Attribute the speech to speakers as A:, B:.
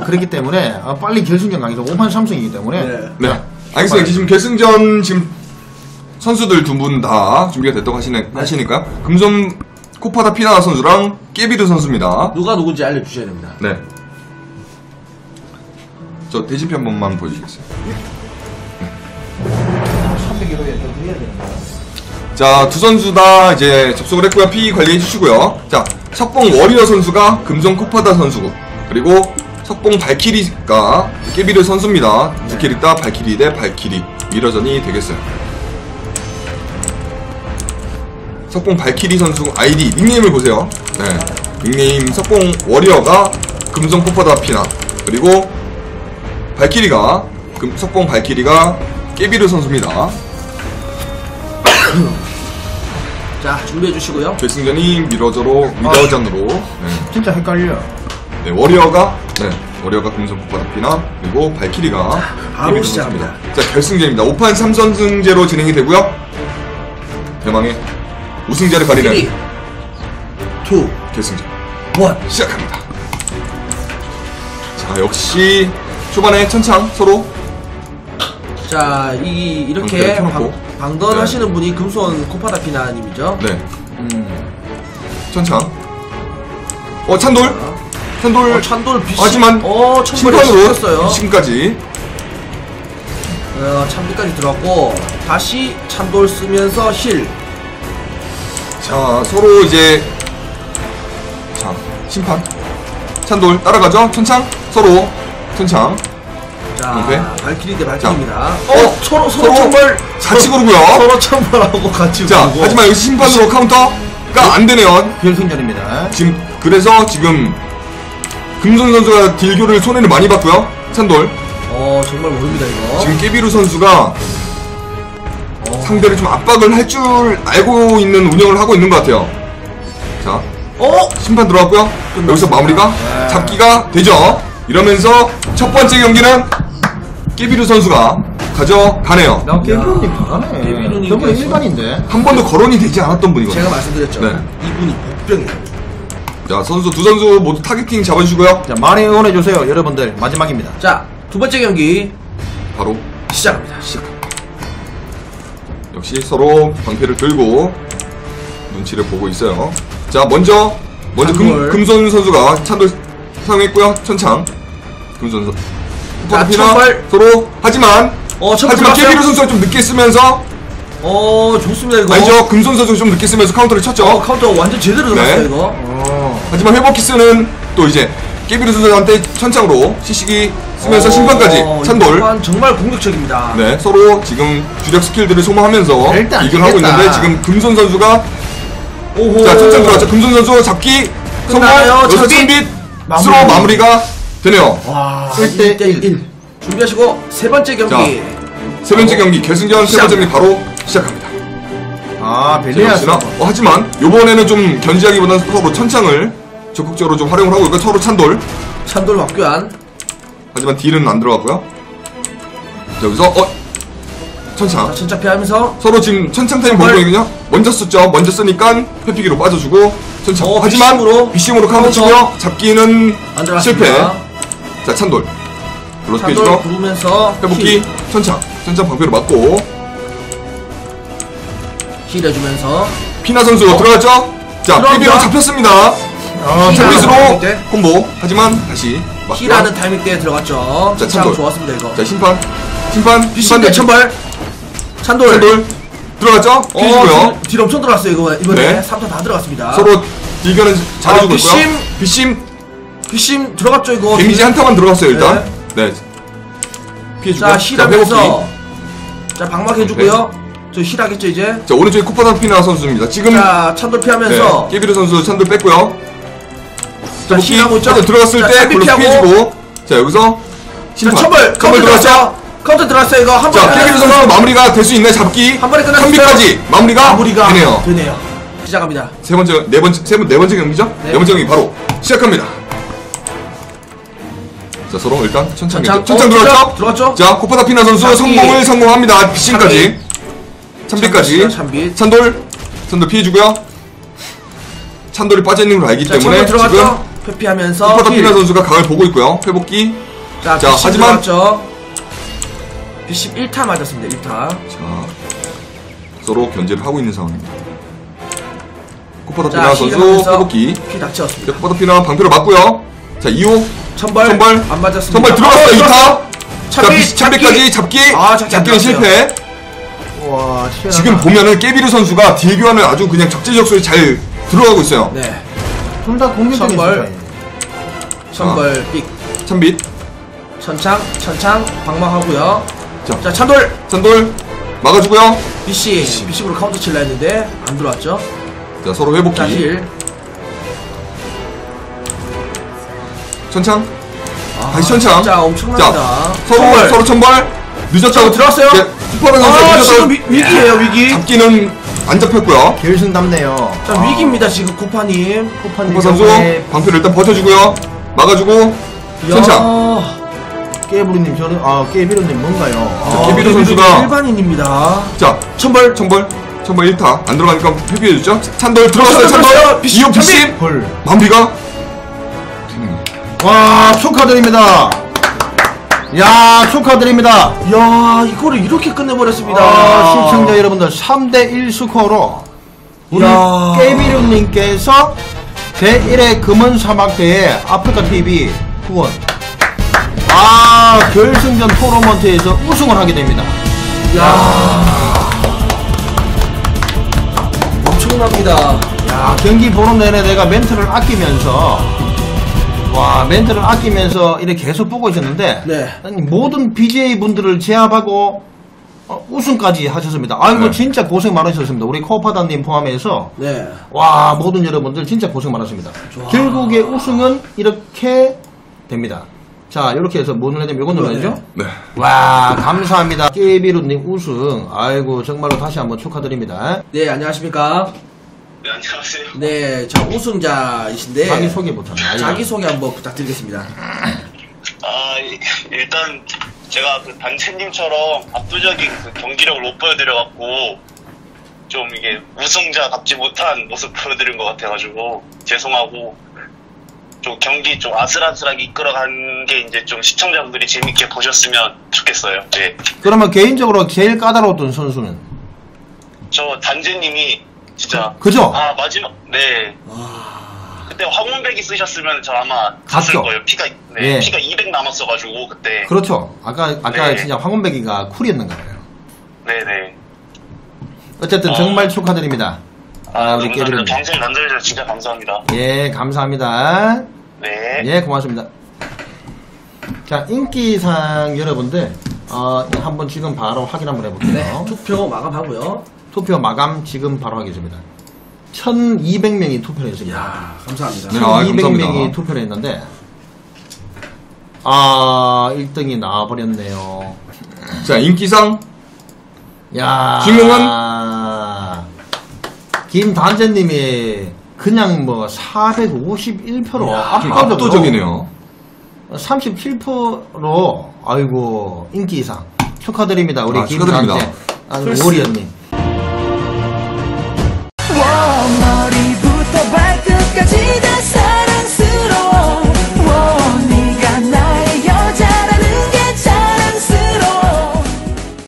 A: 그렇기 때문에 빨리 결승전 가기도 5판 3승이기 때문에
B: 네. 알겠습니다. 지금 결승전 지금 선수들 두 분 다 준비가 됐다고 하시니까 금손 코파다 피나 선수랑 깨비르 선수입니다.
C: 누가 누군지 알려주셔야 됩니다.
B: 네. 저 대진표 한 번만 보여주시겠어요? 네.
A: 301호에 좀 해야 되는 거야.
B: 자, 두 선수 다 이제 접속을 했고요. 피 관리해 주시고요. 자, 석봉 워리어 선수가 금손 코파다 선수고, 그리고 석봉 발키리가 깨비르 선수입니다. 두 캐릭터 발키리 대 발키리 미러전이 되겠어요. 석봉 발키리 선수 아이디 닉네임을 보세요. 네, 닉네임 석봉 워리어가 금손 코파다 피나, 그리고 발키리가 석봉 발키리가 깨비르 선수입니다.
C: 자, 준비해 주시고요.
B: 결승전이 미러전으로 네.
A: 진짜 헷갈려.
B: 네, 워리어가 금손 코파다 피나, 그리고 발키리가
C: 바로 시작합니다.
B: 자, 결승전입니다. 5판 3선승제로 진행이 되고요. 대망의 우승자를 가리는
C: 3, 2,
B: 결승전
C: 1
B: 시작합니다. 자, 역시 초반에 천창 서로
C: 자, 이렇게
B: 켜놓고.
C: 방던
B: 네.
C: 하시는 분이 금손 코파다 피나님이죠.
B: 네. 천창. 찬돌.
C: 찬돌 비심.
B: 하지만
C: 심판으로
B: 심판으로 비심까지.
C: 참비까지 들어갔고 다시 찬돌 쓰면서 힐.
B: 자, 서로 이제 자, 심판. 찬돌 따라가죠. 천창 서로 천창.
C: 자,
B: 오케이.
C: 발키리 대 발키리입니다.
B: 서로
C: 천벌
B: 같이 고르고요.
C: 서로 천벌하고 같이
B: 자,
C: 고르고.
B: 하지만 여기 심판으로 카운터가 안 되네요.
A: 결승전입니다.
B: 그래서 지금 금손 선수가 딜교를 손해를 많이 봤고요. 찬돌.
C: 정말 모릅니다 이거.
B: 지금 깨비루 선수가 상대를 좀 압박을 할 줄 알고 있는 운영을 하고 있는 것 같아요. 자, 심판 들어왔고요. 여기서 마무리가 잡기가 되죠. 이러면서 첫 번째 경기는 깨비루 선수가 가져가네요.
A: 나 깨비루님 잘하네.
C: 깨비루님
A: 저번에 일반인데.
B: 한 번도 거론이 되지 않았던 분이거든요.
C: 제가 말씀드렸죠.
B: 네.
C: 이분이 복병이에요.
B: 자, 두 선수 모두 타겟팅 잡아주시고요.
A: 자, 많이 응원해주세요, 여러분들. 마지막입니다.
C: 자, 두 번째 경기
B: 바로
C: 시작합니다.
B: 역시 서로 방패를 들고 눈치를 보고 있어요. 자, 먼저 금손 선수가 찬돌 사용했고요. 천창. 금손 선수.
C: 자, 천벌.
B: 서로 하지만 깨비루 선수가 좀 늦게 쓰면서
C: 좋습니다 이거.
B: 아니죠. 금손 선수가 좀 늦게 쓰면서 카운터를 쳤죠.
C: 카운터 완전 제대로 들어갔어요 이거.
B: 하지만 회복키스는 또 이제 깨비루 선수한테 천창으로 시식이 쓰면서 심판까지 찬돌.
C: 정말 공격적입니다.
B: 네, 서로 지금 주력 스킬들을 소모하면서
A: 일단
B: 이걸 하고
A: 이겼다.
B: 있는데 지금 금손 선수가
C: 오호.
B: 자, 천천 들어갔죠. 금손 선수 잡기 성공.
C: 끝나요.
B: 여기서
C: 찬빛.
B: 찬빛으로 마무리가 되네요.
C: 와,
A: 1대1.
C: 준비하시고 세 번째 경기.
B: 세 번째 경기 결승전 세 번째 경기 바로 시작합니다.
A: 벨리아스.
B: 하지만 요번에는 좀 견제하기보다는 서로 천창을 적극적으로 좀 활용을 하고 있고 서로 찬돌.
C: 확교한.
B: 하지만 딜은 안 들어갔고요. 여기서 천창.
C: 천창 피하면서
B: 서로 지금 천창 타임 보고 있거든요. 먼저 썼죠. 먼저 쓰니까 회피기로 빠져주고 천창. 하지만 비심으로 카운터 치고요. 잡기는
C: 안 들어갔습니다.
B: 실패. 자, 찬돌. 블러스
C: 찬돌
B: 피해주고
C: 부르면서
B: 회복기 천창 방패로 맞고
C: 힐 해주면서
B: 피나 선수 들어갔죠? 자, 깨비로 잡혔습니다. 찬빛으로 콤보. 하지만 다시
C: 힐하는 타이밍 때 들어갔죠.
B: 자,
C: 찬돌
B: 찬돌.
C: 좋았습니다 이거.
B: 자, 심판
C: 대 천벌. 찬돌
B: 들어갔죠? 피해주고요.
C: 딜 엄청 들어갔어요 이번에.
B: 네.
C: 3타 다 들어갔습니다.
B: 서로 딜견은 잘해주고 있고요.
C: 비심 들어갔죠 이거.
B: 데미지 한타만 들어갔어요 일단. 네. 피해주고.
C: 자, 힐하면서 자, 방막 해주고요. 저 힐하겠죠 이제.
B: 자, 오른쪽에 코파다 피나 선수입니다. 지금
C: 자, 찬돌 피하면서
B: 깨비르 선수 찬돌 뺐고요.
C: 자, 힐하고 있죠.
B: 들어갔을
C: 자,
B: 때
C: 찬비
B: 블록
C: 피하고.
B: 피해주고. 자, 여기서 심판.
C: 자, 천벌
B: 들어갔죠?
C: 카운터 들어갔어요 이거. 한
B: 자,
C: 번에
B: 깨비르 선수 마무리가 될 수 있나요? 잡기.
C: 한 번에 끝났어요.
B: 3비까지 마무리가 되네요.
C: 시작합니다.
B: 네 번째 경기죠? 네 번째 경기 바로 시작합니다. 자, 서로 일단 천창 들어갔죠? 자, 코파다 피나 선수 성공합니다. 비신까지. 찬빛까지. 찬돌 피해주고요. 찬돌이 빠져있는 걸 알기 때문에 지금
C: 회피하면서
B: 쿠퍼더
C: 힐.
B: 피나 선수가 각을 보고 있고요. 회복기.
C: 자,
B: 자, 하지만
C: B10 1타 맞았습니다. 1타.
B: 자, 서로 견제를 하고 있는 상황입니다. 쿠퍼더
C: 자,
B: 피나 선수
C: 힐하면서
B: 회복기.
C: 피 닥쳤습니다.
B: 쿠퍼더 피나 방패로 맞고요. 자, 2호
C: 천벌 안 맞았습니다.
B: 선발 들어갔어요. 2타. 자,
C: 참비,
B: 참비까지 잡기.
C: 아, 잡기 안
B: 잡기는 실패.
A: 와, 시원하다.
B: 지금 보면은 깨비르 선수가 딜 교환을 아주 그냥 적재적소에 잘 들어가고 있어요.
C: 네.
A: 둘 다 공격적인
C: 선발.
A: 수사예요.
C: 천벌 삑.
B: 참빛.
C: 천창 방망하고요.
B: 자,
C: 찬돌
B: 산돌 막아주고요.
C: BC로 카운터 칠라 했는데 안 들어왔죠.
B: 자, 서로 회복기.
C: 자, 힐.
B: 천창.
C: 아,
B: 다시 천창.
C: 진짜 엄청납니다.
B: 자,
C: 천벌.
B: 서로 천벌. 늦었다고
C: 들어왔어요?
B: 쿠퍼더 선수
C: 아, 지금
B: 늦었다고.
C: 위기예요, 위기.
B: 잡기는 안 잡혔고요.
A: 결승답네요.
C: 자, 위기입니다, 지금 코파님.
B: 쿠퍼 선수 방패를 일단 버텨주고요. 막아주고. 천창.
A: 깨부리님, 저는, 깨비루님 뭔가요?
B: 자, 깨비루 선수가.
C: 일반인입니다.
B: 자, 천벌 1타. 안 들어가니까 회피해주죠. 찬돌 들어갔어요, 찬돌.
C: 비시,
B: 이호 비심.
A: 헐.
B: 마무리가.
A: 와, 축하드립니다. 야, 축하드립니다.
C: 야, 이거를 이렇게 끝내버렸습니다.
A: 시청자 여러분들, 3대1 스코어로 우리
C: 야.
A: 깨비루님께서 제1회 금은 사막대회 아프리카TV 후원 결승전 토너먼트에서 우승을 하게 됩니다.
C: 엄청납니다.
A: 경기 보는 내내 내가 멘트를 아끼면서 이렇게 계속 보고 있었는데
C: 네.
A: 아니, 모든 BJ 분들을 제압하고 우승까지 하셨습니다. 아이고
B: 네.
A: 진짜 고생 많으셨습니다. 우리 코파다님 포함해서
C: 네.
A: 와 모든 여러분들 진짜 고생 많았습니다. 결국에 우승은 이렇게 됩니다. 자 이렇게 해서 뭐 눌러야 되면 이거 눌러야죠.
B: 네.
A: 와 감사합니다. 깨비루님 우승 아이고 정말로 다시 한번 축하드립니다.
C: 네, 안녕하십니까.
D: 네, 안녕하세요.
C: 네, 저 우승자이신데.
A: 자기소개부터
C: 자기소개 한번 부탁드리겠습니다.
D: 일단 제가 그 단체님처럼 압도적인 그 경기력을 못 보여드려갖고 좀 이게 우승자답지 못한 모습 보여드린 것 같아가지고 죄송하고 좀 경기 좀 아슬아슬하게 이끌어간 게 이제 좀 시청자분들이 재밌게 보셨으면 좋겠어요. 네.
A: 그러면 개인적으로 제일 까다로웠던 선수는?
D: 저 단체님이 진짜
A: 그죠?
D: 마지막 네. 그때 황문백이 쓰셨으면 저 아마 갔을
A: 갔죠?
D: 거예요. 피가
A: 예.
D: 피가 200 남았어가지고 그때.
A: 그렇죠. 아까
D: 네.
A: 진짜 황원백이가 쿨이었는 거예요.
D: 네네.
A: 어쨌든 정말 축하드립니다. 우리 깨비루님.
D: 방송 만들어주셔서 진짜 감사합니다.
A: 예, 감사합니다.
D: 네.
A: 예, 고맙습니다. 자, 인기상 여러분들, 한번 지금 바로 확인 한번 해볼게요.
C: 투표 마감하고요.
A: 투표 마감 지금 바로 하겠습니다. 1200명이 투표를 했습니다.
C: 야, 감사합니다.
B: 네.
A: 1200명이
B: 감사합니다.
A: 투표를 했는데, 1등이 나와버렸네요.
B: 자, 인기상.
A: 야, 김단재님이 그냥 뭐 451표로
B: 압도적이네요.
A: 37%로 아이고 인기 이상 축하드립니다. 우리
B: 축하드립니다.
A: 김단재 워리언님.